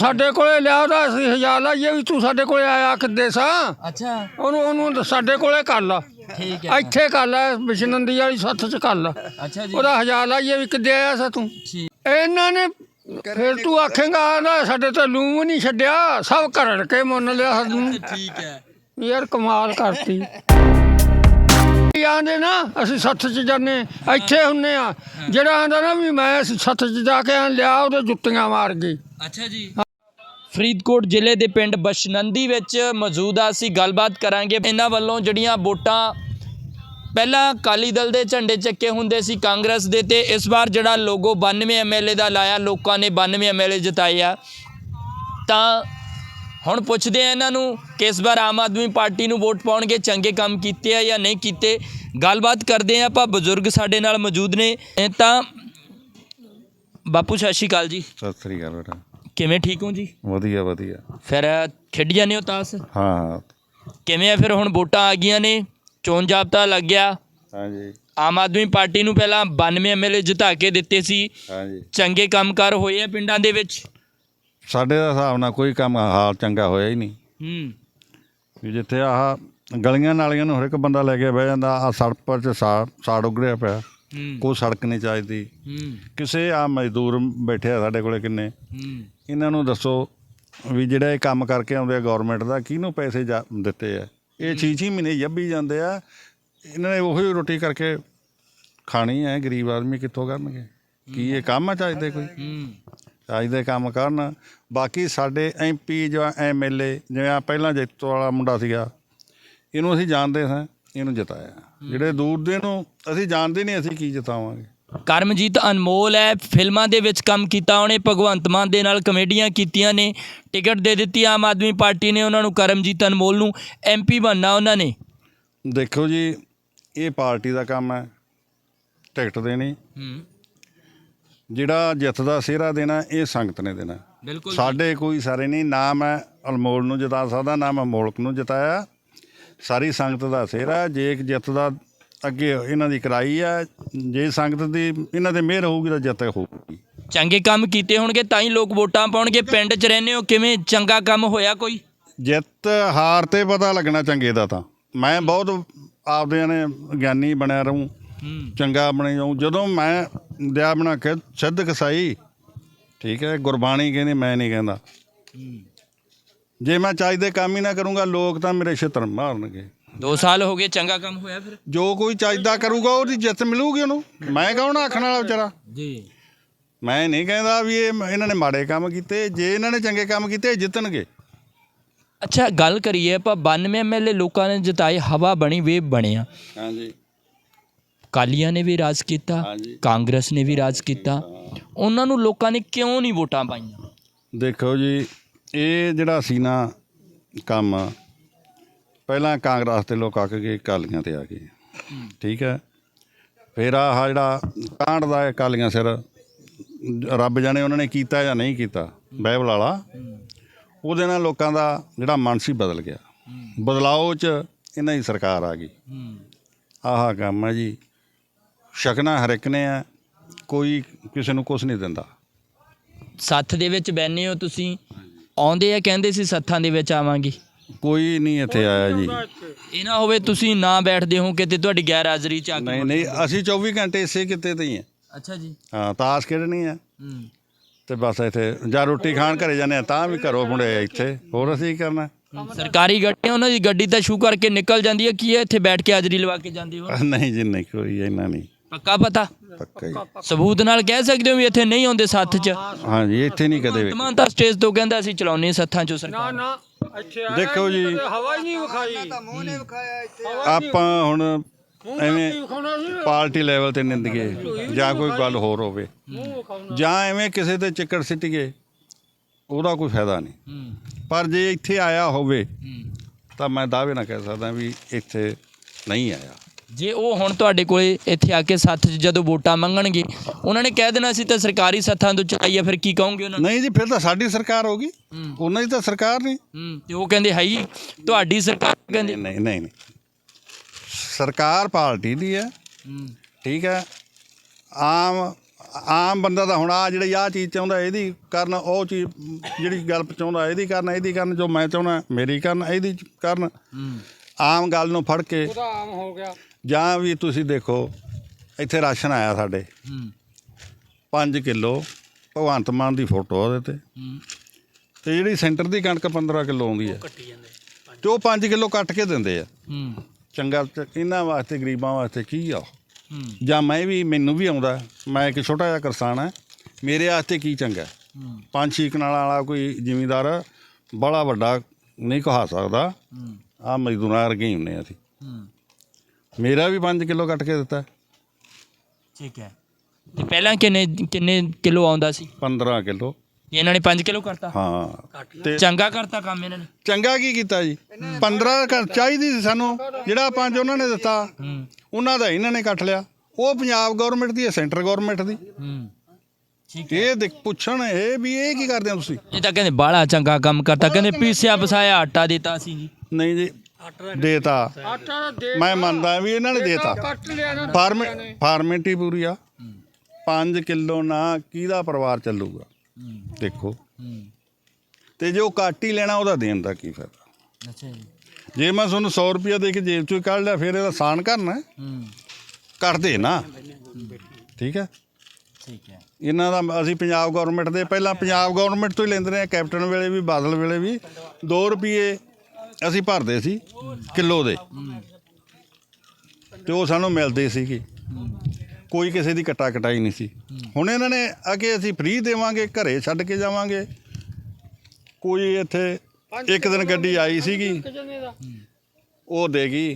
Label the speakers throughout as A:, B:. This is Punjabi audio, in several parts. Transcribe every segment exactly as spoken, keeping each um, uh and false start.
A: ਸਾਡੇ ਕੋਲੇ ਲਿਆ ਤਾਂ ਅਸੀਂ ਹਜ਼ਾਰ ਲਾਈਏ ਵੀ ਤੂੰ ਸਾਡੇ ਕੋਲੇ ਆਇਆ ਕਿੱਦੇ ਸਾਂ।
B: ਅੱਛਾ
A: ਉਹਨੂੰ ਉਹਨੂੰ ਸਾਡੇ ਕੋਲੇ ਕਰ ਲਾ,
B: ਠੀਕ ਹੈ
A: ਇੱਥੇ ਕਰ ਲੈ ਬਿਸ਼ਨੰਦੀ ਵਾਲੀ ਸੱਥ 'ਚ ਕਰ ਲਾ।
B: ਅੱਛਾ ਜੀ
A: ਉਹਦਾ ਹਜ਼ਾਰ ਲਾਈਏ ਵੀ ਕਿੱਦੇ ਆਇਆ ਸਾਂ ਤੂੰ।
B: ਠੀਕ
A: ਇਹਨਾਂ ਨੇ ਫਿਰ ਤੂੰ ਆਖੇਂਗਾ ਨਾ ਸਾਡੇ ਤਾਂ ਲੂੰ ਨਹੀਂ ਛੱਡਿਆ, ਸਭ ਘਰੜ ਕੇ ਮੁੰਨ ਲਿਆ ਸਾਨੂੰ।
B: ਠੀਕ ਹੈ
A: ਯਾਰ ਕਮਾਲ ਕਰਤੀ। ਆਂਦੇ ਨਾ ਅਸੀਂ ਸੱਥ 'ਚ ਜਾਂਦੇ ਇੱਥੇ ਹੁੰਦੇ ਆ, ਜਿਹੜਾ ਆਂਦਾ ਨਾ ਵੀ ਮੈਂ ਸੱਥ 'ਚ ਜਾ ਕੇ ਲਿਆ ਉਹਦੇ ਜੁੱਤੀਆਂ ਮਾਰ ਗਈ।
B: ਅੱਛਾ ਜੀ ਫਰੀਦਕੋਟ ਜ਼ਿਲ੍ਹੇ ਦੇ ਪਿੰਡ ਬਸ਼ਨੰਦੀ ਵਿੱਚ ਮੌਜੂਦ ਆ, ਅਸੀਂ ਗੱਲਬਾਤ ਕਰਾਂਗੇ ਇਹਨਾਂ ਵੱਲੋਂ ਜਿਹੜੀਆਂ ਵੋਟਾਂ ਪਹਿਲਾਂ ਅਕਾਲੀ ਦਲ ਦੇ ਝੰਡੇ ਚੱਕੇ ਹੁੰਦੇ ਸੀ ਕਾਂਗਰਸ ਦੇ, ਤੇ ਇਸ ਵਾਰ ਜਿਹੜਾ ਲੋਗੋ ਬਾਨਵੇਂ ਐਮ ਐਲ ਏ ਦਾ ਲਾਇਆ, ਲੋਕਾਂ ਨੇ ਬਾਨਵੇਂ ਐਮ ਐਲ ਏ ਜਿਤਾਏ ਆ। ਤਾਂ ਹੁਣ ਪੁੱਛਦੇ ਆ ਇਹਨਾਂ ਨੂੰ ਕਿ ਇਸ ਵਾਰ ਆਮ ਆਦਮੀ ਪਾਰਟੀ ਨੂੰ ਵੋਟ ਪਾਉਣਗੇ, ਚੰਗੇ ਕੰਮ ਕੀਤੇ ਆ ਜਾਂ ਨਹੀਂ ਕੀਤੇ। ਗੱਲਬਾਤ ਕਰਦੇ ਆ ਆਪਾਂ, ਬਜ਼ੁਰਗ ਸਾਡੇ ਨਾਲ ਮੌਜੂਦ ਨੇ। ਇਹ ਤਾਂ ਬਾਪੂ ਸਤਿ ਸ਼੍ਰੀ ਅਕਾਲ ਜੀ।
C: ਸਤਿ ਸ੍ਰੀ ਅਕਾਲ ਬੇਟਾ।
B: ਕਿਵੇਂ, ਠੀਕ ਹੋ ਜੀ?
C: ਵਧੀਆ ਵਧੀਆ।
B: ਫਿਰ ਖੇਡ ਜਾਂਦੇ ਹੋ ਤਾਸ?
C: ਹਾਂ
B: ਕਿਵੇਂ ਆ ਫਿਰ ਹੁਣ ਵੋਟਾਂ ਆ ਗਈਆਂ ਨੇ, ਚੋਣ ਜਾਬਤਾ ਲੱਗ ਗਿਆ।
C: ਹਾਂਜੀ
B: ਆਮ ਆਦਮੀ ਪਾਰਟੀ ਨੂੰ ਪਹਿਲਾਂ ਬਾਨਵੇਂ ਐਮ ਐਲ ਏ ਜਿਤਾ ਕੇ ਦਿੱਤੇ ਸੀ,
C: ਹਾਂਜੀ।
B: ਚੰਗੇ ਕੰਮਕਾਰ ਹੋਏ ਆ ਪਿੰਡਾਂ ਦੇ ਵਿੱਚ? ਸਾਡੇ
C: ਦਾ ਹਿਸਾਬ ਨਾਲ ਕੋਈ ਕੰਮ ਹਾਲ ਚੰਗਾ ਹੋਇਆ ਹੀ ਨਹੀਂ।
B: ਹੂੰ
C: ਵੀ ਜਿੱਥੇ ਆਹ ਗਲੀਆਂ ਨਾਲੀਆਂ ਨੂੰ ਹਰ ਇੱਕ ਬੰਦਾ ਲੈ ਕੇ ਬਹਿ ਜਾਂਦਾ, ਆਹ ਸੜਕ ਪਰ 'ਚ ਸਾ ਸਾੜ ਉਗੜਿਆ ਪਿਆ, ਕੋਈ ਸੜਕ ਨਹੀਂ ਚਾਹੀਦੀ ਕਿਸੇ। ਆਹ ਮਜ਼ਦੂਰ ਬੈਠੇ ਆ ਸਾਡੇ ਕੋਲੇ ਕਿੰਨੇ, ਇਹਨਾਂ ਨੂੰ ਦੱਸੋ ਵੀ ਜਿਹੜਾ ਇਹ ਕੰਮ ਕਰਕੇ ਆਉਂਦੇ ਆ ਗੌਰਮੈਂਟ ਦਾ, ਕਿਹਨੂੰ ਪੈਸੇ ਜਾ ਦਿੱਤੇ ਆ? ਇਹ ਛੇ ਛੇ ਮਹੀਨੇ ਜੱਬੀ ਜਾਂਦੇ ਆ, ਇਹਨਾਂ ਨੇ ਉਹੀ ਰੋਟੀ ਕਰਕੇ ਖਾਣੀ ਹੈ, ਗਰੀਬ ਆਦਮੀ ਕਿੱਥੋਂ ਕਰਨਗੇ? ਕੀ ਇਹ ਕੰਮ ਆ ਚਾਹੀਦੇ? ਕੋਈ ਚਾਹੀਦੇ ਕੰਮ ਕਰਨ। ਬਾਕੀ ਸਾਡੇ ਐਮ ਪੀ ਜਾਂ ਐਮ ਐਲ ਏ, ਜਿਵੇਂ ਆ ਪਹਿਲਾਂ ਜੈਤੋ ਵਾਲਾ ਮੁੰਡਾ ਸੀਗਾ, ਇਹਨੂੰ ਅਸੀਂ ਜਾਣਦੇ ਸਾਂ, ਇਹਨੂੰ ਜਿਤਾਇਆ। ਜਿਹੜੇ ਦੂਰ ਦੇ ਨੂੰ ਅਸੀਂ ਜਾਣਦੇ ਨਹੀਂ, ਅਸੀਂ ਕੀ ਜਿਤਾਵਾਂਗੇ?
B: ਕਰਮਜੀਤ ਅਨਮੋਲ ਹੈ, ਫਿਲਮਾਂ ਦੇ ਵਿੱਚ ਕੰਮ ਕੀਤਾ ਉਹਨੇ, ਭਗਵੰਤ ਮਾਨ ਦੇ ਨਾਲ ਕਮੇਡੀਆਂ ਕੀਤੀਆਂ ਨੇ, ਟਿਕਟ ਦੇ ਦਿੱਤੀ ਆਮ ਆਦਮੀ ਪਾਰਟੀ ਨੇ ਉਹਨਾਂ ਨੂੰ, ਕਰਮਜੀਤ ਅਨਮੋਲ ਨੂੰ ਐਮ ਪੀ ਬਣਨਾ ਉਹਨਾਂ ਨੇ।
C: ਦੇਖੋ ਜੀ, ਇਹ ਪਾਰਟੀ ਦਾ ਕੰਮ ਹੈ ਟਿਕਟ ਦੇਣੀ, ਜਿਹੜਾ ਜਿੱਤ ਦਾ ਸਿਹਰਾ ਦੇਣਾ ਇਹ ਸੰਗਤ ਨੇ ਦੇਣਾ।
B: ਬਿਲਕੁਲ
C: ਸਾਡੇ ਕੋਈ ਸਾਰੇ ਨਹੀਂ, ਨਾ ਮੈਂ ਅਨਮੋਲ ਨੂੰ ਜਿਤਾ ਸਕਦਾ, ਨਾ ਮੈਂ ਮੋਲਕ ਨੂੰ ਜਿਤਾਇਆ, ਸਾਰੀ ਸੰਗਤ ਦਾ ਸਿਹਰਾ। ਜੇ ਜਿੱਤ ਦਾ ਅੱਗੇ ਇਹਨਾਂ ਦੀ ਕਰਾਈ ਆ, ਜੇ ਸੰਗਤ ਦੀ ਇਹਨਾਂ ਦੇ ਮਿਹਰ ਹੋਊਗੀ ਤਾਂ ਜਿੱਤ ਹੋਊਗੀ।
B: ਚੰਗੇ ਕੰਮ ਕੀਤੇ ਹੋਣਗੇ ਤਾਂ ਹੀ ਲੋਕ ਵੋਟਾਂ ਪਾਉਣਗੇ। ਪਿੰਡ 'ਚ ਰਹਿੰਦੇ ਹੋ, ਕਿਵੇਂ ਚੰਗਾ ਕੰਮ ਹੋਇਆ ਕੋਈ?
C: ਜਿੱਤ ਹਾਰ 'ਤੇ ਪਤਾ ਲੱਗਣਾ ਚੰਗੇ ਦਾ। ਤਾਂ ਮੈਂ ਬਹੁਤ ਆਪਦਿਆਂ ਨੇ ਗਿਆਨੀ ਬਣਿਆ ਰਹੂੰ, ਚੰਗਾ ਬਣੇ ਜਾਊਂ। ਜਦੋਂ ਮੈਂ ਦਿਆ ਬਣਾ ਕੇ ਸਿੱਧ ਕਸਾਈ, ਠੀਕ ਹੈ, ਗੁਰਬਾਣੀ ਕਹਿੰਦੀ, ਮੈਂ ਨਹੀਂ ਕਹਿੰਦਾ। ਜੇ ਮੈਂ ਚਾਹੀਦੇ ਕੰਮ ਹੀ ਨਾ ਕਰੂੰਗਾ, ਲੋਕ ਤਾਂ ਮੇਰੇ ਛਿੱਤਰ ਮਾਰਨਗੇ।
B: ਦੋ ਸਾਲ ਹੋ ਗਏ, ਚੰਗਾ ਕੰਮ ਹੋਇਆ ਫਿਰ?
C: ਜੋ ਕੋਈ ਚਾਹੀਦਾ ਕਰੂਗਾ ਉਹਦੀ ਜਿੱਤ ਮਿਲੂਗੀ ਉਹਨੂੰ। ਮੈਂ ਕੌਣ ਆਖਣ ਵਾਲਾ ਵਿਚਾਰਾ
B: ਜੀ? ਮੈਂ
C: ਨਹੀਂ ਕਹਿੰਦਾ ਵੀ ਇਹ ਇਹਨਾਂ ਨੇ ਮਾੜੇ ਕੰਮ ਕੀਤੇ, ਜੇ ਇਹਨਾਂ ਨੇ ਚੰਗੇ ਕੰਮ ਕੀਤੇ ਜਿੱਤਣਗੇ।
B: ਅੱਛਾ ਗੱਲ ਕਰੀਏ ਆਪਾਂ, ਬਾਨਵੇਂ ਐਮ ਐਲ ਏ ਲੋਕਾਂ ਨੇ ਜਿਤਾਏ, ਹਵਾ ਬਣੀ, ਵੇਵ ਬਣਿਆ।
C: ਹਾਂਜੀ
B: ਅਕਾਲੀਆਂ ਨੇ ਵੀ ਰਾਜ ਕੀਤਾ, ਕਾਂਗਰਸ ਨੇ ਵੀ ਰਾਜ ਕੀਤਾ, ਉਹਨਾਂ ਨੂੰ ਲੋਕਾਂ ਨੇ ਕਿਉਂ ਨਹੀਂ ਵੋਟਾਂ ਪਾਈਆਂ?
C: ਦੇਖੋ ਜੀ, ਇਹ ਜਿਹੜਾ ਸੀ ਨਾ ਕੰਮ, ਪਹਿਲਾਂ ਕਾਂਗਰਸ 'ਤੇ ਲੋਕ ਅੱਕ ਗਏ, ਅਕਾਲੀਆਂ 'ਤੇ ਆ ਗਏ, ਠੀਕ ਹੈ। ਫਿਰ ਆਹ ਜਿਹੜਾ ਕਾਂਡ ਦਾ ਅਕਾਲੀਆਂ ਸਿਰ, ਰੱਬ ਜਾਣੇ ਉਹਨਾਂ ਨੇ ਕੀਤਾ ਜਾਂ ਨਹੀਂ ਕੀਤਾ, ਬਾਈਬਲ ਵਾਲਾ, ਉਹਦੇ ਨਾਲ ਲੋਕਾਂ ਦਾ ਜਿਹੜਾ ਮਨ ਸੀ ਬਦਲ ਗਿਆ। ਬਦਲਾਓ 'ਚ ਇਹਨਾਂ ਦੀ ਸਰਕਾਰ ਆ ਗਈ। ਆਹ ਕੰਮ ਹੈ ਜੀ, ਸ਼ਕਨਾ ਹਰ ਇੱਕ ਨੇ ਆ, ਕੋਈ ਕਿਸੇ ਨੂੰ ਕੁਛ ਨਹੀਂ ਦਿੰਦਾ।
B: ਸੱਥ ਦੇ ਵਿੱਚ ਬਹਿੰਦੇ ਹੋ ਤੁਸੀਂ, ਆਉਂਦੇ ਆ ਕਹਿੰਦੇ ਸੀ ਸੱਥਾਂ ਦੇ ਵਿੱਚ ਆਵਾਂਗੇ,
C: ਕੋਈ ਨਹੀਂ ਇੱਥੇ ਆਇਆ ਜੀ।
B: ਇਹ ਨਾ ਹੋਵੇ ਤੁਸੀਂ ਨਾ ਬੈਠਦੇ ਹੋ ਕਿਤੇ ਤੁਹਾਡੀ ਗੈਰ ਹਾਜ਼ਰੀ 'ਚ ਆ ਕੇ?
C: ਨਹੀਂ ਨਹੀਂ, ਅਸੀਂ ਚੌਵੀ ਘੰਟੇ ਇਸੇ ਕਿਤੇ 'ਤੇ ਹੀ ਹਾਂ।
B: ਅੱਛਾ ਜੀ। ਹਾਂ
C: ਤਾਸ਼ ਖੇਡਣੀ ਆ ਤੇ ਬਸ ਇੱਥੇ, ਜਾਂ ਰੋਟੀ ਖਾਣ ਘਰੇ ਜਾਂਦੇ ਆ ਤਾਂ ਵੀ ਘਰੋਂ ਮੁੜੇ ਇੱਥੇ, ਹੋਰ ਅਸੀਂ ਕੀ ਕਰਨਾ?
B: ਸਰਕਾਰੀ ਗੱਡੀਆਂ, ਉਹਨਾਂ ਦੀ ਗੱਡੀ ਤਾਂ ਸ਼ੂ ਕਰਕੇ ਨਿਕਲ ਜਾਂਦੀ ਹੈ, ਕੀ ਹੈ ਇੱਥੇ ਬੈਠ ਕੇ ਹਾਜ਼ਰੀ ਲਵਾ ਕੇ ਜਾਂਦੇ ਹੋ?
C: ਨਹੀਂ ਜੀ, ਨਹੀਂ ਕੋਈ ਇੰਨਾ ਨਹੀਂ।
B: ਪੱਕਾ ਪਤਾ?
C: ਪੱਕਾ ਹੀ।
B: ਸਬੂਤ ਨਾਲ ਕਹਿ ਸਕਦੇ ਹੋ ਵੀ ਇੱਥੇ ਨਹੀਂ ਆਉਂਦੇ ਸੱਥ 'ਚ?
C: ਹਾਂਜੀ, ਇੱਥੇ ਨਹੀਂ ਕਦੇ।
B: ਮਾਨ ਤਾਂ ਸਟੇਜ ਤੋਂ ਕਹਿੰਦਾ ਅਸੀਂ ਚਲਾਉਂਦੇ ਸੱਥਾਂ 'ਚੋਂ ਸਰਕਾਰ।
A: ਨਾ ਇੱਥੇ
C: ਦੇਖੋ ਜੀ,
A: ਹਵਾ ਹੀ ਨਹੀਂ ਵਿਖਾਈ।
C: ਆਪਾਂ ਹੁਣ ਐਵੇਂ ਪਾਰਟੀ ਲੈਵਲ 'ਤੇ ਨਿੰਦੀਏ ਜਾਂ ਕੋਈ ਗੱਲ ਹੋਰ ਹੋਵੇ, ਜਾਂ ਐਵੇਂ ਕਿਸੇ 'ਤੇ ਚਿੱਕੜ ਸਿੱਟੀਏ, ਉਹਦਾ ਕੋਈ ਫਾਇਦਾ ਨਹੀਂ। ਪਰ ਜੇ ਇੱਥੇ ਆਇਆ ਹੋਵੇ ਤਾਂ ਮੈਂ ਦਾਅਵੇ ਨਾਲ ਕਹਿ ਸਕਦਾ ਵੀ ਇੱਥੇ ਨਹੀਂ ਆਇਆ।
B: ਜੇ ਉਹ ਹੁਣ ਤੁਹਾਡੇ ਕੋਲੇ ਇੱਥੇ ਆ ਕੇ ਸੱਥ 'ਚ ਜਦੋਂ ਵੋਟਾਂ ਮੰਗਣਗੇ, ਉਹਨਾਂ ਨੇ ਕਹਿ ਦੇਣਾ ਸੀ ਤਾਂ ਸਰਕਾਰੀ ਸੱਥਾਂ ਤੋਂ ਚਲਾਈ ਆ, ਫਿਰ ਕੀ ਕਹੋਗੇ ਉਹਨਾਂ ਨੂੰ?
C: ਨਹੀਂ ਜੀ, ਫਿਰ ਤਾਂ ਸਾਡੀ ਸਰਕਾਰ ਹੋ ਗਈ, ਉਹਨਾਂ ਦੀ ਤਾਂ ਸਰਕਾਰ ਨਹੀਂ।
B: ਤੇ ਉਹ ਕਹਿੰਦੇ ਹੈ ਹੀ ਤੁਹਾਡੀ ਸਰਕਾਰ, ਕਹਿੰਦੇ
C: ਨਹੀਂ ਨਹੀਂ ਨਹੀਂ, ਸਰਕਾਰ ਪਾਰਟੀ ਦੀ ਹੈ, ਠੀਕ ਹੈ। ਆਮ ਆਮ ਬੰਦਾ ਤਾਂ ਹੁਣ ਆ ਜਿਹੜੀ ਆਹ ਚੀਜ਼ ਚਾਹੁੰਦਾ ਇਹਦੀ ਕਰਨ, ਉਹ ਚੀਜ਼ ਜਿਹੜੀ ਗੱਲ ਚਾਹੁੰਦਾ ਇਹਦੀ ਕਰਨ, ਇਹਦੀ ਕਰਨ, ਜੋ ਮੈਂ ਚਾਹੁੰਦਾ ਮੇਰੀ ਕਰਨ, ਇਹਦੀ ਕਰਨ। ਆਮ ਗੱਲ ਨੂੰ ਫੜ ਕੇ
A: ਆਮ ਹੋ ਗਿਆ।
C: ਜਾਂ ਵੀ ਤੁਸੀਂ ਦੇਖੋ ਇੱਥੇ ਰਾਸ਼ਨ ਆਇਆ ਸਾਡੇ ਪੰਜ ਕਿਲੋ ਭਗਵੰਤ ਮਾਨ ਦੀ ਫੋਟੋ ਉਹਦੇ 'ਤੇ, ਅਤੇ ਜਿਹੜੀ ਸੈਂਟਰ ਦੀ ਕਣਕ ਪੰਦਰਾਂ ਕਿਲੋ ਆਉਂਦੀ ਹੈ ਅਤੇ ਉਹ ਪੰਜ ਕਿਲੋ ਕੱਟ ਕੇ ਦਿੰਦੇ ਆ। ਚੰਗਾ ਇਹਨਾਂ ਵਾਸਤੇ, ਗਰੀਬਾਂ ਵਾਸਤੇ ਕੀ ਆ? ਜਾਂ ਮੈਂ ਵੀ, ਮੈਨੂੰ ਵੀ ਆਉਂਦਾ, ਮੈਂ ਇੱਕ ਛੋਟਾ ਜਿਹਾ ਕਿਸਾਨ ਹੈ, ਮੇਰੇ ਵਾਸਤੇ ਕੀ ਚੰਗਾ? ਪੰਜ ਛੇ ਕਨਾਲਾਂ ਵਾਲਾ ਕੋਈ ਜ਼ਿਮੀਂਦਾਰ ਬੜਾ ਵੱਡਾ ਨਹੀਂ ਕਹਾ ਸਕਦਾ, ਆਹ ਮਜ਼ਦੂਰਾਂ ਵਰਗੇ ਹੀ ਹੁੰਦੇ ਅਸੀਂ। ਮੇਰਾ ਵੀ ਪੰਜ ਕਿਲੋ ਕੱਟ ਕੇ ਦਿੱਤਾ।
B: ਠੀਕ ਹੈ। ਤੇ ਪਹਿਲਾਂ ਕਿੰਨੇ ਕਿੰਨੇ ਕਿਲੋ ਆਉਂਦਾ ਸੀ?
C: ਪੰਦਰਾਂ ਕਿਲੋ।
B: ਇਹਨਾਂ ਨੇ ਪੰਜ ਕਿਲੋ ਕਰਤਾ?
C: ਹਾਂ। ਤੇ
B: ਚੰਗਾ ਕਰਤਾ ਕੰਮ ਇਹਨਾਂ ਨੇ?
C: ਚੰਗਾ ਕੀ ਕੀਤਾ ਜੀ? ਪੰਦਰਾਂ ਕਰ ਚਾਹੀਦੀ ਸੀ ਸਾਨੂੰ, ਜਿਹੜਾ ਪੰਜ ਉਹਨਾਂ ਨੇ ਦਿੱਤਾ ਉਹਨਾਂ ਦਾ ਇਹਨਾਂ ਨੇ ਕੱਟ ਲਿਆ। ਉਹ ਪੰਜਾਬ ਗੌਰਮੈਂਟ ਦੀ ਹੈ, ਸੈਂਟਰ ਗੌਰਮੈਂਟ ਦੀ। ਇਹ ਦੇਖ ਪੁੱਛਣ ਇਹ ਵੀ ਇਹ ਕੀ ਕਰਦੇ ਹੋ ਤੁਸੀਂ?
B: ਇਹ ਤਾਂ ਕਹਿੰਦੇ ਬਾਹਲਾ ਚੰਗਾ ਕੰਮ ਕਰਤਾ, ਕਹਿੰਦੇ ਪੀਸਿਆ ਪਸਾਇਆ ਆਟਾ ਦਿੱਤਾ ਸੀ ਜੀ।
C: ਨਹੀਂ ਜੀ, ਦੇਤਾ, ਮੈਂ ਮੰਨਦਾ ਵੀ ਇਹਨਾਂ ਨੇ ਦੇਤਾ। ਫਾਰਮੇ ਫਾਰਮੈਲਿਟੀ ਪੂਰੀ ਆ। ਪੰਜ ਕਿਲੋ ਨਾ ਕਿਹਦਾ ਪਰਿਵਾਰ ਚੱਲੂਗਾ? ਦੇਖੋ, ਤੇ ਜੋ ਘੱਟ ਹੀ ਲੈਣਾ ਉਹਦਾ ਦੇਣ ਦਾ ਕੀ ਫਾਇਦਾ?
B: ਅੱਛਾ ਜੀ।
C: ਜੇ ਮੈਂ ਤੁਹਾਨੂੰ ਸੌ ਰੁਪਇਆ ਦੇ ਕੇ ਜੇਬ ਚੋਂ ਕੱਢ ਲਿਆ ਫਿਰ ਇਹਦਾ ਸਾਨ ਕਰਨਾ, ਕੱਟ ਦੇ ਨਾ। ਠੀਕ ਹੈ,
B: ਠੀਕ ਹੈ।
C: ਇਹਨਾਂ ਦਾ ਅਸੀਂ ਪੰਜਾਬ ਗੌਰਮੈਂਟ ਦੇ ਪਹਿਲਾਂ ਪੰਜਾਬ ਗੌਰਮੈਂਟ ਤੋਂ ਹੀ ਲੈਂਦੇ ਰਹੇ, ਕੈਪਟਨ ਵੇਲੇ ਵੀ, ਬਾਦਲ ਵੇਲੇ ਵੀ ਦੋ ਰੁਪਏ ਅਸੀਂ ਭਰਦੇ ਸੀ ਕਿਲੋ ਦੇ, ਅਤੇ ਉਹ ਸਾਨੂੰ ਮਿਲਦੇ ਸੀਗੇ, ਕੋਈ ਕਿਸੇ ਦੀ ਕੱਟਾ ਕਟਾਈ ਨਹੀਂ ਸੀ। ਹੁਣ ਇਹਨਾਂ ਨੇ ਅੱਗੇ ਅਸੀਂ ਫ੍ਰੀ ਦੇਵਾਂਗੇ, ਘਰੇ ਛੱਡ ਕੇ ਜਾਵਾਂਗੇ। ਕੋਈ ਇੱਥੇ ਇੱਕ ਦਿਨ ਗੱਡੀ ਆਈ ਸੀਗੀ, ਉਹ ਦੇ ਗਈ,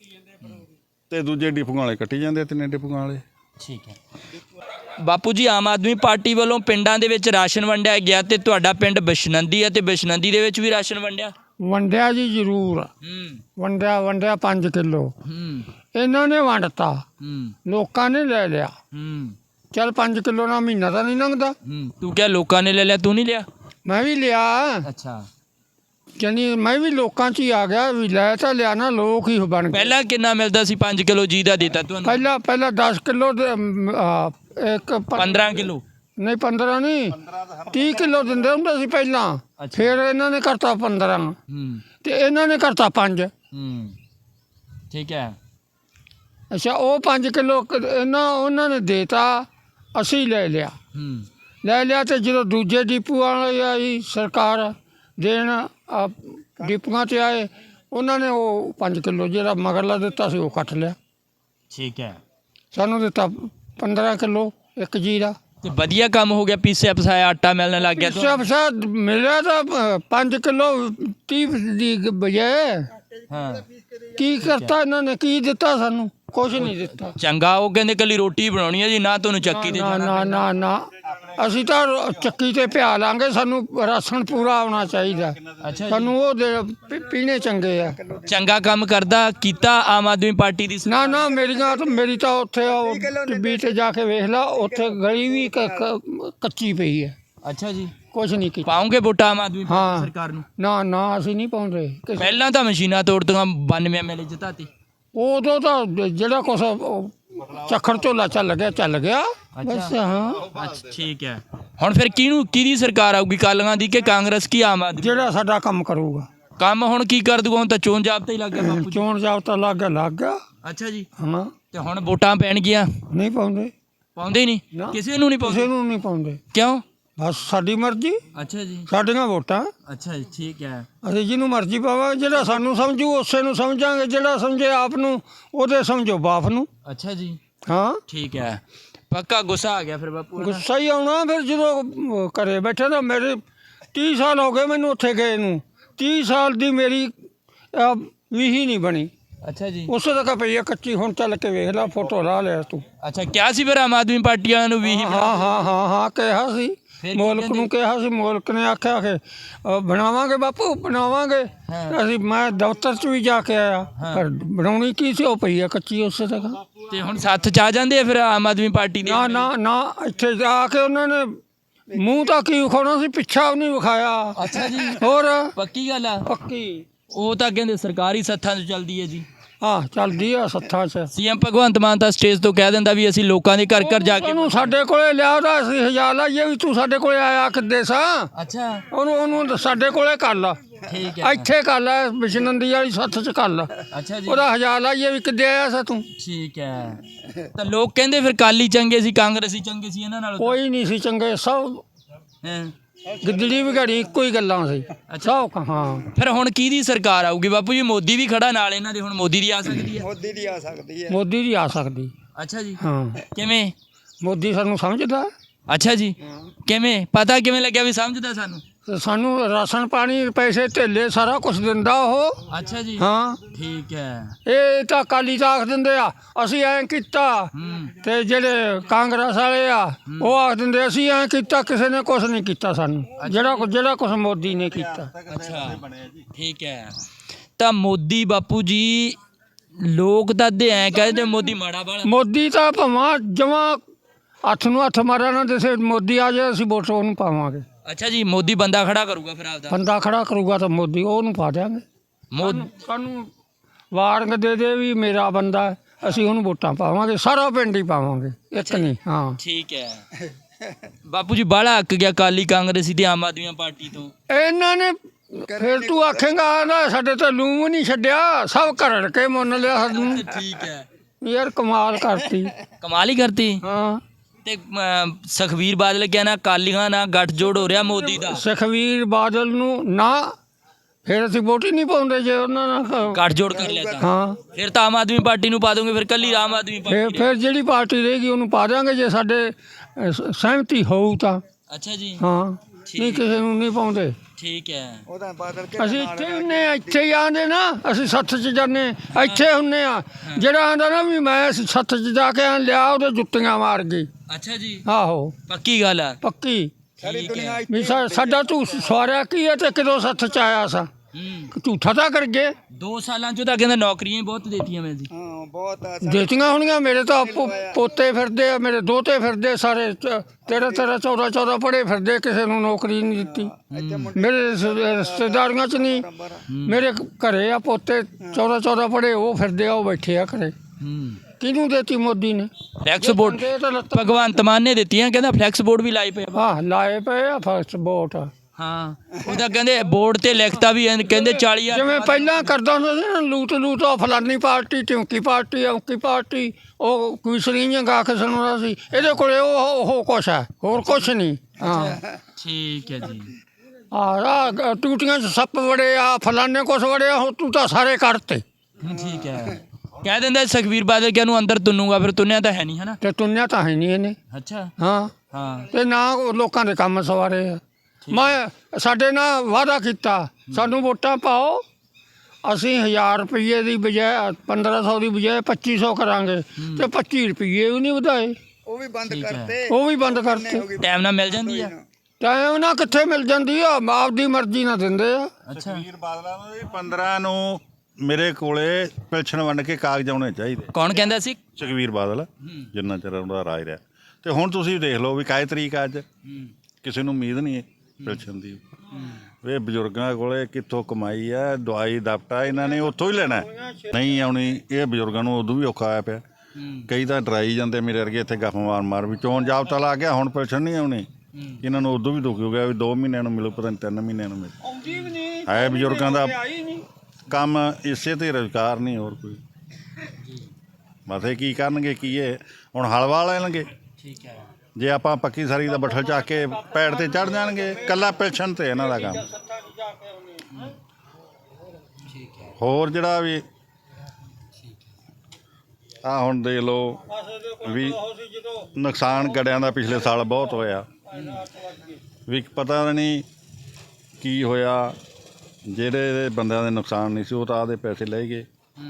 C: ਅਤੇ ਦੂਜੇ ਡਿਪੂਆਂ ਵਾਲੇ ਕੱਟੀ ਜਾਂਦੇ, ਤਿੰਨੇ ਡਿਪੂਆਂ ਵਾਲੇ।
B: ਠੀਕ ਹੈ ਬਾਪੂ ਜੀ, ਆਮ ਆਦਮੀ ਪਾਰਟੀ ਵੱਲੋਂ ਪਿੰਡਾਂ ਦੇ ਵਿੱਚ ਰਾਸ਼ਨ ਵੰਡਿਆ ਗਿਆ, ਅਤੇ ਤੁਹਾਡਾ ਪਿੰਡ ਬਿਸ਼ਨੰਦੀ ਹੈ, ਅਤੇ ਬਿਸ਼ਨੰਦੀ ਦੇ ਵਿੱਚ ਵੀ ਰਾਸ਼ਨ ਵੰਡਿਆ?
A: ਵੰਡਿਆ ਜੀ ਜ਼ਰੂਰ, ਵੰਡਿਆ ਵੰਡਿਆ ਪੰਜ ਕਿਲੋ ਇਹਨਾਂ ਨੇ ਵੰਡਤਾ, ਲੋਕਾਂ ਨੇ ਲੈ ਲਿਆ। ਚੱਲ ਪੰਜ ਕਿਲੋ ਨਾਲ ਮਹੀਨਾ ਤਾਂ ਨਹੀਂ ਲੰਘਦਾ।
B: ਤੂੰ ਕਿਹਾ ਲੋਕਾਂ ਨੇ ਲੈ ਲਿਆ, ਤੂੰ ਨਹੀਂ ਲਿਆ?
A: ਮੈਂ ਵੀ ਲਿਆ।
B: ਅੱਛਾ,
A: ਜਾਨੀ ਮੈਂ ਵੀ ਲੋਕਾਂ 'ਚ ਹੀ ਆ ਗਿਆ, ਵੀ ਲੈ ਤਾਂ ਲਿਆ ਨਾ, ਲੋਕ ਹੀ ਬਣ ਗਏ।
B: ਪਹਿਲਾਂ ਕਿੰਨਾ ਮਿਲਦਾ ਸੀ? ਪੰਜ ਕਿਲੋ ਜੀ ਦਾ ਦਿੱਤਾ ਤੁਹਾਨੂੰ?
A: ਪਹਿਲਾਂ ਪਹਿਲਾਂ ਦਸ ਕਿਲੋ ਇੱਕ
B: ਪੰਦਰਾਂ ਕਿਲੋ
A: ਨਹੀਂ, ਪੰਦਰਾਂ ਨਹੀਂ, ਤੀਹ ਕਿਲੋ ਦਿੰਦੇ ਹੁੰਦੇ ਸੀ ਪਹਿਲਾਂ। ਫਿਰ ਇਹਨਾਂ ਨੇ ਕਰਤਾ ਪੰਦਰਾਂ, ਤੇ ਇਹਨਾਂ ਨੇ ਕਰਤਾ ਪੰਜ।
B: ਠੀਕ ਹੈ।
A: ਅੱਛਾ, ਉਹ ਪੰਜ ਕਿਲੋ ਇਹਨਾਂ ਉਹਨਾਂ ਨੇ ਦੇਤਾ, ਅਸੀਂ ਲੈ ਲਿਆ। ਲੈ ਲਿਆ ਤੇ ਜਦੋਂ ਦੂਜੇ ਡਿਪੂ ਵਾਲੇ ਆਈ ਸਰਕਾਰ ਦੇਣ, ਡਿਪੂਆਂ 'ਤੇ ਆਏ, ਉਹਨਾਂ ਨੇ ਉਹ ਪੰਜ ਕਿਲੋ ਜਿਹੜਾ ਮਗਰਲਾ ਦਿੱਤਾ ਸੀ ਉਹ ਕੱਟ ਲਿਆ।
B: ਠੀਕ ਹੈ।
A: ਸਾਨੂੰ ਦਿੱਤਾ ਪੰਦਰਾਂ ਕਿਲੋ ਇੱਕ ਜੀ ਦਾ।
B: ਤੇ ਵਧੀਆ ਕੰਮ ਹੋ ਗਿਆ, ਪੀਸਿਆ ਪਸਾਇਆ ਆਟਾ ਮਿਲਣ ਲੱਗ ਗਿਆ।
A: ਪੀਸਿਆ ਪਸਾਇਆ ਮਿਲਿਆ ਤਾਂ ਪੰਜ ਕਿਲੋ ਤੀਹ ਦੀ ਬਜਾਏ।
B: ਹਾਂ,
A: ਕੀ ਕਰਤਾ ਇਹਨਾਂ ਨੇ? ਕੀ ਦਿੱਤਾ ਸਾਨੂੰ? ਕੁਛ ਨਹੀਂ ਦਿੱਤਾ।
B: ਚੰਗਾ, ਉਹ ਕਹਿੰਦੇ ਕੱਲੀ ਰੋਟੀ ਬਣਾਉਣੀ ਹੈ ਜੀ, ਨਾ ਤੁਹਾਨੂੰ ਚੱਕੀ ਤੇ
A: ਨਾ ਨਾ ਨਾ ਨਾ, ਅਸੀਂ ਤਾਂ ਚੱਕੀ ਤੇ ਪਿਆ ਲਾਂਗੇ, ਸਾਨੂੰ ਰਾਸ਼ਨ ਪੂਰਾ ਆਉਣਾ ਚਾਹੀਦਾ।
B: ਅੱਛਾ,
A: ਸਾਨੂੰ ਉਹ ਦੇ ਪੀਣੇ ਚੰਗੇ ਆ।
B: ਚੰਗਾ ਕੰਮ ਕਰਦਾ ਕੀਤਾ ਆਮ ਆਦਮੀ ਪਾਰਟੀ ਦੀ?
A: ਨਾ ਨਾ, ਮੇਰੀਆਂ ਤਾਂ ਮੇਰੀ ਤਾਂ ਉੱਥੇ ਟਿੱਬੀ ਤੇ ਜਾ ਕੇ ਵੇਖ ਲਾ, ਉੱਥੇ ਗਲੀ ਵੀ ਕੱਚੀ ਪਈ ਹੈ।
B: ਅੱਛਾ ਜੀ,
A: ਕੁਛ ਨਹੀਂ ਕੀਤਾ।
B: ਪਾਉਂਗੇ ਵੋਟਾਂ ਆਮ ਆਦਮੀ
A: ਹਾਂ
B: ਸਰਕਾਰ ਨੂੰ?
A: ਨਾ ਨਾ, ਅਸੀਂ ਨਹੀਂ ਪਾਉਂਦੇ।
B: ਪਹਿਲਾਂ ਤਾਂ ਮਸ਼ੀਨਾਂ ਤੋੜਦੀਆਂ, ਬਾਨਵੇਂ ਐਮ ਐਲ ਏ ਜਿਤਾਤੇ।
A: ਉਦੋਂ ਤਾਂ ਜਿਹੜਾ ਕੁਛ ਚੱਖੜ ਝੋਲਾ ਚੱਲ ਗਿਆ ਚੱਲ ਗਿਆ ਬਸ। ਹਾਂ,
B: ਅੱਛਾ, ਠੀਕ ਹੈ। ਹੁਣ ਫਿਰ ਕਿਹਨੂੰ, ਕਿਹਦੀ ਸਰਕਾਰ ਆਊਗੀ, ਕਾਲੀਆਂ ਦੀ ਕਿ ਕਾਂਗਰਸ ਕੀ ਆਮ ਆਦਮੀ?
A: ਜਿਹੜਾ ਸਾਡਾ ਕੰਮ ਕਰੂਗਾ।
B: ਕੰਮ ਹੁਣ ਕੀ ਕਰ ਦੂਗਾ? ਹੁਣ ਤਾਂ ਚੋਣ ਜਾਬਤਾ ਹੀ ਲੱਗ ਗਿਆ ਬਾਪੂ ਜੀ।
A: ਚੋਣ ਜਾਬਤਾ ਲੱਗ ਗਿਆ ਲੱਗ ਗਿਆ।
B: ਅੱਛਾ ਜੀ।
A: ਹਾਂ,
B: ਤੇ ਹੁਣ ਵੋਟਾਂ ਪੈਣਗੀਆਂ?
A: ਨਹੀਂ ਪਾਉਂਦੇ।
B: ਪਾਉਂਦੇ ਹੀ ਨਹੀਂ? ਕਿਸੇ ਨੂੰ ਨਹੀਂ ਪਾਉਂਦੇ?
A: ਕਿਸੇ ਨੂੰ ਨਹੀਂ ਪਾਉਂਦੇ।
B: ਕਿਉਂ?
A: ਬਸ ਸਾਡੀ ਮਰਜ਼ੀ।
B: ਅੱਛਾ ਜੀ,
A: ਸਾਡੀਆਂ ਵੋਟਾਂ।
B: ਅੱਛਾ ਜੀ, ਠੀਕ ਹੈ।
A: ਅਸੀਂ ਜਿਹਨੂੰ ਮਰਜ਼ੀ ਪਾਵਾਂਗੇ, ਜਿਹੜਾ ਸਾਨੂੰ ਸਮਝੂ ਉਸੇ ਨੂੰ ਸਮਝਾਂਗੇ, ਜਿਹੜਾ ਸਮਝੇ ਆਪ ਨੂੰ ਉਹਦੇ ਸਮਝੋ ਬਾਪ ਨੂੰ।
B: ਅੱਛਾ ਜੀ,
A: ਹਾਂ,
B: ਠੀਕ ਹੈ। ਪੱਕਾ ਗੁੱਸਾ ਆ ਗਿਆ ਫਿਰ ਬਾਪੂ?
A: ਗੁੱਸਾ ਹੀ ਆਉਣਾ ਫਿਰ, ਜਦੋਂ ਘਰੇ ਬੈਠੇ ਨਾ। ਮੇਰੇ ਤੀਹ ਸਾਲ ਹੋ ਗਏ ਮੈਨੂੰ ਉੱਥੇ ਗਏ ਨੂੰ, ਤੀਹ ਸਾਲ ਦੀ ਮੇਰੀ ਵੀਹੀ ਨਹੀਂ ਬਣੀ।
B: ਅੱਛਾ ਜੀ,
A: ਉਸੇ ਤੱਕ ਪਈ ਆ ਕੱਚੀ। ਹੁਣ ਚੱਲ ਕੇ ਵੇਖ ਲਾ, ਫੋਟੋ ਲਾ ਲਿਆ ਤੂੰ।
B: ਅੱਛਾ, ਕਿਹਾ ਸੀ ਫਿਰ ਆਮ ਆਦਮੀ ਪਾਰਟੀ ਵਾਲਿਆਂ ਨੂੰ ਵੀ?
A: ਹਾਂ ਹਾਂ ਹਾਂ ਹਾਂ, ਕਿਹਾ ਸੀ, ਮੁਲਕ ਨੂੰ ਕਿਹਾ ਸੀ। ਮੁਲਕ ਨੇ ਆਖਿਆ ਕਿ ਬਣਾਵਾਂਗੇ ਬਾਪੂ, ਬਣਾਵਾਂਗੇ। ਅਸੀਂ ਮੈਂ ਦਫ਼ਤਰ 'ਚ ਵੀ ਜਾ ਕੇ ਆਇਆ, ਪਰ ਬਣਾਉਣੀ ਕੀ ਸੀ, ਉਹ ਪਈ ਆ ਕੱਚੀ ਉਸੇ ਤੱਕ।
B: ਤੇ ਹੁਣ ਸੱਥ 'ਚ ਆ ਜਾਂਦੇ ਆ ਫਿਰ ਆਮ ਆਦਮੀ ਪਾਰਟੀ ਦੇ?
A: ਨਾ ਨਾ ਨਾ, ਇੱਥੇ ਜਾ ਕੇ ਉਹਨਾਂ ਨੇ ਮੂੰਹ ਤਾਂ ਕੀ ਵਿਖਾਉਣਾ ਸੀ, ਪਿੱਛਾ ਵੀ ਨਹੀਂ ਵਿਖਾਇਆ।
B: ਅੱਛਾ ਜੀ,
A: ਹੋਰ
B: ਪੱਕੀ ਗੱਲ ਆ?
A: ਪੱਕੀ।
B: ਉਹ ਤਾਂ ਕਹਿੰਦੇ ਸਰਕਾਰੀ ਸੱਥਾਂ 'ਚ ਚੱਲਦੀ ਹੈ ਜੀ।
A: ਹਾਂ ਚੱਲਦੀ ਆ ਸੱਥਾਂ 'ਚ।
B: ਸੀਐਮ ਭਗਵੰਤ ਮਾਨ ਤਾਂ ਸਟੇਜ ਤੋਂ ਕਹਿ ਦਿੰਦਾ ਵੀ ਅਸੀਂ ਲੋਕਾਂ ਦੇ ਘਰ ਘਰ ਜਾ ਕੇ
A: ਉਹਨੂੰ ਸਾਡੇ ਕੋਲੇ ਲਿਆ ਤਾਂ ਅਸੀਂ ਹਜ਼ਾਰ ਲਾਈਏ ਵੀ ਤੂੰ ਸਾਡੇ ਕੋਲੇ ਆਇਆ ਕਿੱਦੇ ਸਾਂ।
B: ਅੱਛਾ
A: ਉਹਨੂੰ ਉਹਨੂੰ ਸਾਡੇ ਕੋਲੇ ਕਰ ਲਾ,
B: ਠੀਕ
A: ਇੱਥੇ ਕਰ ਲੈ ਬਿਸ਼ਨੰਦੀ ਵਾਲੀ ਸੱਥ 'ਚ ਕਰ ਲਾ।
B: ਅੱਛਾ ਜੀ
A: ਉਹਦਾ ਹਜ਼ਾਰ ਲਾਈਏ ਵੀ ਕਿੱਦੇ ਆਇਆ ਸਾਂ ਤੂੰ।
B: ਠੀਕ ਹੈ। ਤਾਂ ਲੋਕ ਕਹਿੰਦੇ ਫਿਰ ਕਾਲੀ ਚੰਗੇ ਸੀ ਕਾਂਗਰਸੀ ਚੰਗੇ ਸੀ ਇਹਨਾਂ ਨਾਲ
A: ਕੋਈ ਨਹੀਂ ਸੀ ਚੰਗੇ, ਸਭ
B: ਹੈਂ
A: ਗਿੱਦੜੀ ਵੀ ਘੜੀ ਇੱਕੋ ਹੀ ਗੱਲਾਂ ਸੀ ਸਭ। ਹਾਂ
B: ਫਿਰ ਹੁਣ ਕਿਹਦੀ ਸਰਕਾਰ ਆਊਗੀ ਬਾਪੂ ਜੀ? ਮੋਦੀ ਵੀ ਖੜਾ ਨਾਲ ਇਹਨਾਂ ਦੇ, ਹੁਣ ਮੋਦੀ ਦੀ ਆ ਸਕਦੀ ਹੈ?
D: ਮੋਦੀ ਦੀ ਆ ਸਕਦੀ ਹੈ।
A: ਮੋਦੀ ਦੀ ਆ ਸਕਦੀ।
B: ਅੱਛਾ ਜੀ
A: ਹਾਂ
B: ਕਿਵੇਂ?
A: ਮੋਦੀ ਸਾਨੂੰ ਸਮਝਦਾ।
B: ਅੱਛਾ ਜੀ ਕਿਵੇਂ ਪਤਾ ਕਿਵੇਂ ਲੱਗਿਆ ਵੀ ਸਮਝਦਾ ਸਾਨੂੰ?
A: ਤੇ ਸਾਨੂੰ ਰਾਸ਼ਨ ਪਾਣੀ ਪੈਸੇ ਧੇਲੇ ਸਾਰਾ ਕੁਝ ਦਿੰਦਾ ਉਹ।
B: ਅੱਛਾ ਜੀ
A: ਹਾਂ
B: ਠੀਕ ਹੈ।
A: ਇਹ ਤਾਂ ਅਕਾਲੀ ਤਾਂ ਆਖ ਦਿੰਦੇ ਆ ਅਸੀਂ ਐਂ ਕੀਤਾ,
B: ਹੂੰ
A: ਤੇ ਜਿਹੜੇ ਕਾਂਗਰਸ ਵਾਲੇ ਆ ਉਹ ਆਖ ਦਿੰਦੇ ਅਸੀਂ ਐਂ ਕੀਤਾ, ਕਿਸੇ ਨੇ ਕੁਝ ਨਹੀਂ ਕੀਤਾ ਸਾਨੂੰ, ਜਿਹੜਾ ਕੁ- ਜਿਹੜਾ ਕੁਝ ਮੋਦੀ ਨੇ ਕੀਤਾ।
B: ਅੱਛਾ ਠੀਕ ਹੈ। ਤਾਂ ਮੋਦੀ ਬਾਪੂ ਜੀ ਲੋਕ ਤਾਂ ਦੇ ਐਂ ਕਹਿੰਦੇ ਮੋਦੀ ਮਾੜਾ ਵਾਲਾ।
A: ਮੋਦੀ ਤਾਂ ਭਾਵਾਂ ਜਮਾਂ ਹੱਥ ਨੂੰ ਹੱਥ ਮਾਰਿਆ ਨਾ ਜਿਸੇ ਮੋਦੀ ਆ ਜਾਏ ਅਸੀਂ ਵੋਟ ਉਹਨੂੰ ਪਾਵਾਂਗੇ।
B: ਅੱਛਾ ਜੀ ਮੋਦੀ ਬੰਦਾ ਖੜਾ ਕਰੂਗਾ ਫਿਰ ਆਪਦਾ?
A: ਬੰਦਾ ਖੜਾ ਕਰੂਗਾ ਤਾਂ ਮੋਦੀ ਉਹਨੂੰ ਪਾ ਦਿਆਂਗੇ।
B: ਮੋਦੀ
A: ਸਾਨੂੰ ਵਾਰੰਗ ਦੇ ਦੇ ਵੀ ਮੇਰਾ ਬੰਦਾ ਹੈ, ਅਸੀਂ ਉਹਨੂੰ ਵੋਟਾਂ ਪਾਵਾਂਗੇ, ਸਾਰਾ ਪਿੰਡ ਹੀ ਪਾਵਾਂਗੇ, ਇੱਕ ਨਹੀਂ। ਹਾਂ
B: ਠੀਕ ਹੈ। ਬਾਪੂ ਜੀ ਬਾਹਲਾ ਅੱਕ ਗਿਆ ਕਾਲੀ ਕਾਂਗਰਸੀ ਤੇ ਆਮ ਆਦਮੀ ਪਾਰਟੀ ਤੋਂ।
A: ਇਹਨਾਂ ਨੇ ਫਿਰ ਤੂੰ ਆਖੇਂਗਾ ਨਾ ਸਾਡੇ ਤਾਂ ਲੂੰ ਨਹੀਂ ਛੱਡਿਆ, ਸਭ ਘਰੜ ਕੇ ਮੁੰਨ ਲਿਆ ਸਾਨੂੰ।
B: ਠੀਕ ਹੈ
A: ਯਾਰ ਕਮਾਲ ਕਰਤੀ।
B: ਕਮਾਲ ਹੀ ਕਰਤੀ।
A: ਹਾਂ
B: ਤੇ ਅਮ, ਸੁਖਬੀਰ ਬਾਦਲ ਕਹਿੰਦਾ ਕਾਲੀਆਂ ਨਾਲ ਗੱਠਜੋੜ ਹੋ ਰਿਹਾ ਮੋਦੀ ਦਾ।
A: ਸੁਖਬੀਰ ਬਾਦਲ ਨੂੰ ਨਾ ਫਿਰ ਅਸੀਂ ਵੋਟ ਹੀ ਨਹੀਂ ਪਾਉਂਦੇ ਜੇ ਉਹਨਾਂ ਨਾਲ।
B: ਗੱਠਜੋੜ ਕਰ ਲਿਆ ਤਾਂ
A: ਹਾਂ
B: ਫਿਰ ਤਾਂ ਆਮ ਆਦਮੀ ਪਾਰਟੀ ਨੂੰ ਪਾ ਦੋਗੇ, ਫਿਰ ਕੱਲੀ ਆਮ ਆਦਮੀ
A: ਫਿਰ
B: ਪਾਰਟੀ।
A: ਫਿਰ ਜਿਹੜੀ ਪਾਰਟੀ ਰਹੇਗੀ ਉਹਨੂੰ ਪਾ ਦਿਆਂਗੇ ਜੇ ਸਾਡੇ ਅ, ਸ- ਸਹਿਮਤੀ ਹੋਊ ਤਾਂ।
B: ਅੱਛਾ ਜੀ
A: ਹਾਂ ਨਹੀਂ ਕਿਸੇ ਨੂੰ ਨਹੀਂ ਪਾਉਂਦੇ।
B: ਠੀਕ ਹੈ।
D: ਉਹਦਾ ਬਾਦਲ
A: ਅਸੀਂ ਇੱਥੇ ਹੁੰਨੇ ਆ, ਇੱਥੇ ਹੀ ਆਂਦੇ ਨਾ ਅਸੀਂ ਸੱਥ 'ਚ ਜਾਂਦੇ ਇੱਥੇ ਹੁੰਨੇ ਆ। ਜਿਹੜਾ ਆਂਦਾ ਨਾ ਵੀ ਮੈਂ ਸੱਥ 'ਚ ਜਾ ਕੇ ਆਂ ਲਿਆ ਉਹਦੇ ਜੁੱਤੀਆਂ ਮਾਰ ਗਈ।
B: ਅੱਛਾ ਜੀ
A: ਆਹੋ
B: ਪੱਕੀ ਗੱਲ ਆ।
A: ਪੱਕੀ
D: ਸਾਰੀ
B: ਠੀਕ
D: ਦੁਨੀਆ
B: ਹੈ।
A: ਵੀ ਸਾ- ਸਾਡਾ ਤੂੰ ਸਵਾਰਿਆ ਕੀ ਹੈ ਤੇ ਕਿਦੋਂ ਸੱਥ 'ਚ ਆਇਆ ਸਾਂ।
B: ਹੂੰ
A: ਝੂਠਾ ਤਾਂ ਕਰ ਗਏ।
B: ਦੋ ਸਾਲਾਂ ਚੋਂ ਤਾਂ ਕਹਿੰਦਾ ਨੌਕਰੀਆਂ ਹੀ ਬਹੁਤ ਦੇਤੀਆਂ ਮੈਂ ਜੀ।
D: ਹਾਂ ਬਹੁਤ ਆ।
A: ਦੇਤੀਆਂ ਹੋਣੀਆਂ, ਮੇਰੇ ਤਾਂ ਪੋ- ਪੋਤੇ ਫਿਰਦੇ ਆ, ਮੇਰੇ ਦੋਤੇ ਫਿਰਦੇ ਸਾਰੇ, ਚ- ਤੇਰਾਂ ਤੇਰਾਂ ਚੌਦਾਂ ਚੌਦਾਂ ਪੜ੍ਹੇ ਫਿਰਦੇ, ਕਿਸੇ ਨੂੰ ਨੌਕਰੀ ਨਹੀਂ ਦਿੱਤੀ। ਮੇਰੇ ਰਿਸ਼ਤੇ- ਰਿਸ਼ਤੇਦਾਰੀਆਂ 'ਚ ਨਹੀਂ, ਮੇਰੇ ਘਰੇ ਆ ਪੋਤੇ ਚੌਦਾਂ ਚੌਦਾਂ ਪੜ੍ਹੇ ਉਹ ਫਿਰਦੇ ਆ, ਉਹ ਬੈਠੇ ਆ ਘਰੇ।
B: ਹੂੰ
A: ਕਿਹਨੂੰ ਦੇਤੀ ਮੋਦੀ ਨੇ?
B: ਫਲੈਕਸ ਬੋਰਡ
A: ਬੰਦੇ ਤਾਂ ਲੱਤਾਂ-
B: ਭਗਵੰਤ ਮਾਨ ਨੇ ਦਿੱਤੀਆਂ, ਕਹਿੰਦਾ ਫਲੈਕਸ ਬੋਰਡ ਵੀ ਲਾਏ ਪਏ ਆ।
A: ਆਹ ਲਾਏ ਪਏ ਆ ਫਸਟ ਵੋਟ।
B: ਹਾਂ ਉਹ ਤਾਂ ਕਹਿੰਦੇ ਬੋਰਡ ਤੇ ਲਿਖਤਾ ਵੀ ਐਂ ਕਹਿੰਦੇ ਚਾਲੀ ਹਜ਼ਾਰ।
A: ਜਿਵੇਂ ਪਹਿਲਾਂ ਕਰਦਾ ਹੁੰਦਾ ਸੀ ਨਾ ਲੂਟ ਲੂਟ, ਉਹ ਫਲਾਨੀ ਪਾਰਟੀ ਟਿਉਂਕੀ ਪਾਰਟੀ ਔਂਕੀ ਪਾਰਟੀ, ਉਹ ਕੁਸਰੀਆਂ ਗਾ ਕੇ ਸੁਣਾਉਂਦਾ ਸੀ। ਇਹਦੇ ਕੋਲੇ ਉਹ ਉਹ ਕੁਛ ਹੈ, ਹੋਰ ਕੁਛ ਨਹੀਂ। ਹਾਂ
B: ਠੀਕ ਹੈ ਜੀ।
A: ਆ ਟੂਟੀਆਂ 'ਚ ਸੱਪ ਵੜੇ ਆ, ਫਲਾਨੇ ਕੁਛ ਵੜੇ ਆ, ਹੁਣ ਤੂੰ ਤਾਂ ਸਾਰੇ ਕਰਤੇ।
B: ਠੀਕ ਹੈ। ਕਹਿ ਦਿੰਦਾ ਸੁਖਬੀਰ ਬਾਦਲ ਕਿ ਇਹਨੂੰ ਅੰਦਰ ਤੁੰਨੂਗਾ, ਫਿਰ ਤੁੰਨਿਆ ਤਾਂ ਹੈ ਨਹੀਂ ਹੈ ਨਾ।
A: ਤੇ ਤੁੰਨਿਆ ਤਾਂ ਹੈ ਨਹੀਂ ਇਹਨੇ।
B: ਅੱਛਾ
A: ਹਾਂ
B: ਹਾਂ
A: ਤੇ ਨਾ ਉਹ ਲੋਕਾਂ ਦੇ ਕੰਮ ਸਵਾਰੇ ਆ। ਮੈਂ ਸਾਡੇ ਨਾਲ ਵਾਅਦਾ ਕੀਤਾ ਸਾਨੂੰ ਵੋਟਾਂ ਪਾਓ, ਅਸੀਂ ਹਜ਼ਾਰ ਰੁਪਈਏ ਦੀ ਬਜਾਏ ਪੰਦਰਾਂ ਸੌ ਦੀ ਬਜਾਏ ਪੱਚੀ ਸੌ ਕਰਾਂਗੇ, ਤੇ ਪੱਚੀ ਰੁਪਈਏ ਵੀ ਨਹੀਂ ਵਧਾਏ,
D: ਉਹ ਵੀ ਬੰਦ
B: ਠੀਕ ਹੈ।
D: ਕਰਤੇ।
A: ਉਹ ਵੀ ਬੰਦ ਕਰਤੇ।
B: ਟਾਈਮ ਨਾਲ ਮਿਲ ਜਾਂਦੀ ਆ।
A: ਟਾਈਮ ਨਾ ਕਿੱਥੇ ਮਿਲ ਜਾਂਦੀ ਆ, ਆਪਦੀ ਮਰਜ਼ੀ ਨਾਲ ਦਿੰਦੇ ਆ।
B: ਅੱਛਾ
C: ਵੀਰ ਬਾਦਲਾਂ ਨੂੰ ਵੀ ਪੰਦਰਾਂ ਨੂੰ ਮੇਰੇ ਕੋਲੇ ਪੈਨਸ਼ਨ ਵੰਡ ਕੇ ਕਾਗਜ਼ ਆਉਣੇ ਚਾਹੀਦੇ।
B: ਕੌਣ ਕਹਿੰਦਾ ਸੀ?
C: ਸੁਖਬੀਰ ਬਾਦਲ ਜਿੰਨਾ ਚਿਰ ਉਹਦਾ ਰਾਜ ਰਿਹਾ। ਤੇ ਹੁਣ ਤੁਸੀਂ ਦੇਖ ਲਓ ਵੀ ਕਾਹੇ ਤਰੀਕ ਆ ਅੱਜ, ਕਿਸੇ ਨੂੰ ਉਮੀਦ ਨਹੀਂ ਹੈ ਪੈਨਸ਼ਨ ਦੀ। ਇਹ ਬਜ਼ੁਰਗਾਂ ਕੋਲੇ ਕਿੱਥੋਂ ਕਮਾਈ ਹੈ, ਦਵਾਈ ਦਪਟਾ ਇਹਨਾਂ ਨੇ ਉੱਥੋਂ ਹੀ ਲੈਣਾ, ਨਹੀਂ ਆਉਣੀ। ਇਹ ਬਜ਼ੁਰਗਾਂ ਨੂੰ ਉਦੋਂ ਵੀ ਔਖਾ ਆਇਆ ਪਿਆ। ਕਈ ਤਾਂ ਡਰਾਈ ਜਾਂਦੇ ਮੇਰੇ ਵਰਗੇ ਇੱਥੇ ਗੱਫ ਮਾਰ ਮਾਰ ਵੀ ਚੋਣ ਜਾਬਤਾ ਲਾ ਗਿਆ ਹੁਣ ਪੈਨਸ਼ਨ ਨਹੀਂ ਆਉਣੀ। ਇਹਨਾਂ ਨੂੰ ਉਦੋਂ ਵੀ ਦੁੱਖ ਹੋ ਗਿਆ ਵੀ ਦੋ ਮਹੀਨਿਆਂ ਨੂੰ ਮਿਲੂ, ਪਤਾ ਨਹੀਂ ਤਿੰਨ ਮਹੀਨਿਆਂ ਨੂੰ ਮਿਲੂ। ਹੈ ਬਜ਼ੁਰਗਾਂ ਦਾ ਕੰਮ ਇਸੇ ਤੇ ਰੁਜ਼ਗਾਰ ਨਹੀਂ, ਹੋਰ ਕੋਈ। ਬਸ ਇਹ ਕੀ ਕਰਨਗੇ, ਕੀ ਇਹ ਹੁਣ ਹਲਵਾ ਲੈਣਗੇ।
B: ਠੀਕ ਹੈ।
C: ਜੇ ਆਪਾਂ ਪੱਕੀ ਸਾਰੀ ਦਾ ਬੱਠਲ ਚੱਕ ਕੇ ਪੈੜ ਤੇ ਚੜ ਜਾਣਗੇ, ਕੱਲਾ ਪੈਨਸ਼ਨ ਤੇ ਇਹਨਾਂ ਦਾ ਕੰਮ।
B: ਠੀਕ ਹੈ।
C: ਹੋਰ ਜਿਹੜਾ ਵੀ ਆ ਹੁਣ ਦੇਖ ਲਓ ਵੀ ਨੁਕਸਾਨ ਗੜਿਆਂ ਦਾ ਪਿਛਲੇ ਸਾਲ ਬਹੁਤ ਹੋਇਆ, ਵੀ ਪਤਾ ਨਹੀਂ ਕੀ ਹੋਇਆ। ਜਿਹੜੇ ਬੰਦਿਆਂ ਦੇ ਨੁਕਸਾਨ ਨਹੀਂ ਸੀ ਉਹ ਤਾਂ ਆਦੇ ਪੈਸੇ ਲੈ ਗਏ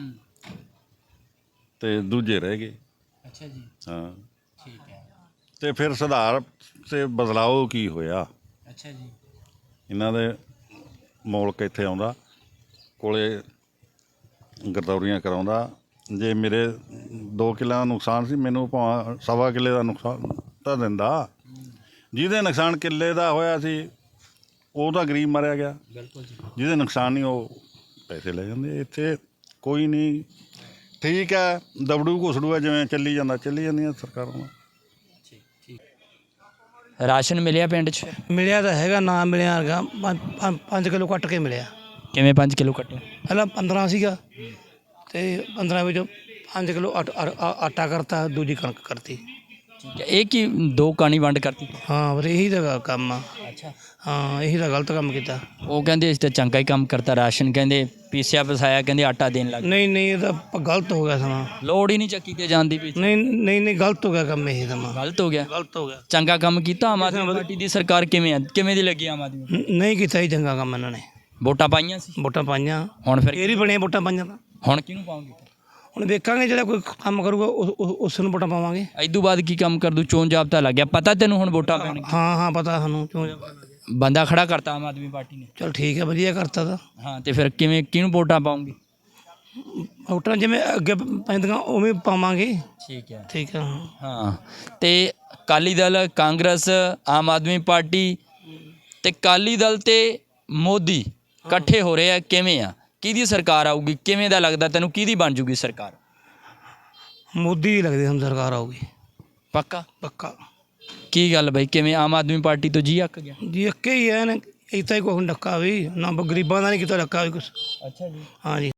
C: ਤੇ ਦੂਜੇ ਰਹਿ ਗਏ।
B: ਅੱਛਾ ਜੀ
C: ਹਾਂ
B: ਠੀਕ ਹੈ।
C: ਤੇ ਫਿਰ ਸੁਧਾਰ ਤੇ ਬਦਲਾਓ ਕੀ ਹੋਇਆ?
B: ਅੱਛਾ ਜੀ
C: ਇਹਨਾਂ ਦੇ ਮੁਲਕ ਇੱਥੇ ਆਉਂਦਾ, ਕੋਲੇ ਗਰਦੌਰੀਆਂ ਕਰਾਉਂਦਾ। ਜੇ ਮੇਰੇ ਦੋ ਕਿੱਲਿਆਂ ਦਾ ਨੁਕਸਾਨ ਸੀ, ਮੈਨੂੰ ਭਾਵੇਂ ਸਵਾ ਕਿੱਲੇ ਦਾ ਨੁਕਸਾਨ ਤਾਂ ਦਿੰਦਾ। ਜਿਹਦੇ ਨੁਕਸਾਨ ਕਿੱਲੇ ਦਾ ਹੋਇਆ ਸੀ ਉਹ ਤਾਂ ਗਰੀਬ ਮਾਰਿਆ ਗਿਆ,
B: ਬਿਲਕੁਲ ਜੀ।
C: ਜਿਹਦੇ ਨੁਕਸਾਨ ਨਹੀਂ ਉਹ ਪੈਸੇ ਲੈ ਜਾਂਦੇ। ਇੱਥੇ ਕੋਈ ਨਹੀਂ ਠੀਕ ਹੈ, ਦਬੜੂ ਘੁਸੜੂ ਹੈ, ਜਿਵੇਂ ਚੱਲੀ ਜਾਂਦਾ ਚੱਲੀ ਜਾਂਦੀਆਂ ਸਰਕਾਰਾਂ।
B: ਰਾਸ਼ਨ ਮਿਲਿਆ ਪਿੰਡ 'ਚ?
E: ਮਿਲਿਆ ਤਾਂ ਹੈਗਾ, ਨਾ ਮਿਲਿਆ ਹੈਗਾ, ਪੰਜ- ਪੰਜ ਪੰਜ ਕਿਲੋ ਕੱਟ ਕੇ ਮਿਲਿਆ।
B: ਕਿਵੇਂ ਪੰਜ ਕਿਲੋ ਕੱਟੇ?
E: ਪਹਿਲਾਂ ਪੰਦਰਾਂ ਸੀਗਾ ਤੇ ਪੰਦਰਾਂ ਵਿੱਚੋਂ ਪੰਜ ਕਿਲੋ ਆਟ- ਆ- ਆ- ਆਟਾ ਕਰਤਾ, ਦੂਜੀ ਕਣਕ ਕਰਤੀ।
B: ਠੀਕ ਹੈ, ਇਹ ਕੀ ਦੋ ਕਾਣੀ ਵੰਡ ਕਰਤੀ?
E: ਹਾਂ ਪਰ ਇਹੀ ਤਾਂ ਕੰਮ ਆ।
B: ਅੱਛਾ।
E: ਹਾਂ ਇਹੀ ਤਾਂ ਗਲਤ ਕੰਮ ਕੀਤਾ।
B: ਉਹ ਕਹਿੰਦੇ ਇਸ ਤੇ ਚੰਗਾ ਹੀ ਕੰਮ ਕਰਤਾ, ਰਾਸ਼ਨ ਕਹਿੰਦੇ ਪੀਸਿਆ ਪਸਾਇਆ, ਕਹਿੰਦੇ ਆਟਾ ਦੇਣ ਲੱਗ ਗਏ।
E: ਨਹੀਂ ਨਹੀਂ ਇਹ ਤਾਂ ਪ- ਗਲਤ ਹੋ ਗਿਆ ਸਮਾਂ।
B: ਲੋੜ ਹੀ ਨਹੀਂ ਚੱਕੀ ਤੇ ਜਾਂਦੀ ਵੀ।
E: ਨਹੀਂ ਨਹੀਂ ਨਹੀਂ ਗਲਤ ਹੋ ਗਿਆ ਕੰਮ ਇਹ ਸਮਾਂ,
B: ਗਲਤ ਹੋ ਗਿਆ।
E: ਗਲਤ ਹੋ ਗਿਆ।
B: ਚੰਗਾ ਕੰਮ ਕੀਤਾ ਆਮ ਆਦਮੀ ਪਾਰਟੀ ਦੀ ਸਰਕਾਰ? ਕਿਵੇਂ ਆ, ਕਿਵੇਂ ਦੀ ਲੱਗੀ ਆਮ ਆਦਮੀ?
E: ਨ- ਨਹੀਂ ਕੀਤਾ ਹੀ ਚੰਗਾ ਕੰਮ ਇਹਨਾਂ ਨੇ।
B: ਵੋਟਾਂ ਪਾਈਆਂ ਸੀ,
E: ਵੋਟਾਂ ਪਾਈਆਂ,
B: ਹੁਣ ਫਿਰ
E: ਫੇਰ ਹੀ ਬਣੀਆਂ ਵੋਟਾਂ ਪਾਈਆਂ ਤਾਂ।
B: ਹੁਣ ਕਿਹਨੂੰ ਪਾਉਂਗੇ?
E: ਹੁਣ ਵੇਖਾਂਗੇ ਜਿਹੜਾ ਕੋਈ ਕੰਮ ਕਰੂਗਾ ਉਸ ਉਸ- ਉਸ ਨੂੰ ਵੋਟਾਂ ਪਾਵਾਂਗੇ।
B: ਇਦੋਂ ਬਾਅਦ ਕੀ ਕੰਮ ਕਰ ਦੂ? ਚੋਣ ਜਾਬਤਾ ਲੱਗ ਗਿਆ, ਪਤਾ ਤੈਨੂੰ ਹੁਣ ਵੋਟਾਂ ਪੈਣਗੀਆਂ?
E: ਹਾਂ ਹਾਂ ਪਤਾ ਸਾਨੂੰ ਕਿਉਂ।
B: ਬੰਦਾ ਖੜਾ ਕਰਤਾ ਆਮ ਆਦਮੀ ਪਾਰਟੀ ਨੇ।
E: ਚਲ ਠੀਕ ਹੈ, ਵਧੀਆ ਕਰਤਾ ਤਾਂ।
B: ਹਾਂ ਤੇ ਫਿਰ ਕਿਵੇਂ, ਕਿਹਨੂੰ ਵੋਟਾਂ ਪਾਉਂਗੇ?
E: ਵੋਟਾਂ ਜਿਵੇਂ ਅੱਗੇ ਪੈਂਦੀਆਂ ਉਵੇਂ ਪਾਵਾਂਗੇ।
B: ਠੀਕ ਹੈ।
E: ਠੀਕ ਹੈ।
B: ਹਾਂ ਤੇ ਅਕਾਲੀ ਦਲ, ਕਾਂਗਰਸ, ਆਮ ਆਦਮੀ ਪਾਰਟੀ ਤੇ ਅਕਾਲੀ ਦਲ ਤੇ ਮੋਦੀ ਇਕੱਠੇ ਹੋ ਰਹੇ ਆ, ਕਿਵੇਂ ਆ? ਕਿਹਦੀ ਸਰਕਾਰ ਆਊਗੀ? ਕਿਵੇਂ ਦਾ ਲੱਗਦਾ ਤੈਨੂੰ, ਕਿਹਦੀ ਬਣ ਜੂਗੀ ਸਰਕਾਰ?
E: ਮੋਦੀ ਦੀ ਲੱਗਦੀ ਹੁਣ ਸਰਕਾਰ ਆਊਗੀ
B: ਪੱਕਾ?
E: ਪੱਕਾ।
B: ਕੀ ਗੱਲ ਬਈ, ਕਿਵੇਂ ਆਮ ਆਦਮੀ ਪਾਰਟੀ ਤੋਂ ਜੀ ਅੱਕ ਗਿਆ?
E: ਜੀ ਅੱਕੇ ਹੀ ਹੈ ਨਾ, ਇੱਥੇ ਹੀ ਕੋਈ ਡੱਕਾ ਵੀ ਨਾ, ਗਰੀਬਾਂ ਦਾ ਨਹੀਂ ਕੀਤਾ ਡੱਕਾ ਵੀ ਕੁਛ।
B: ਅੱਛਾ ਜੀ।
E: ਹਾਂ ਜੀ।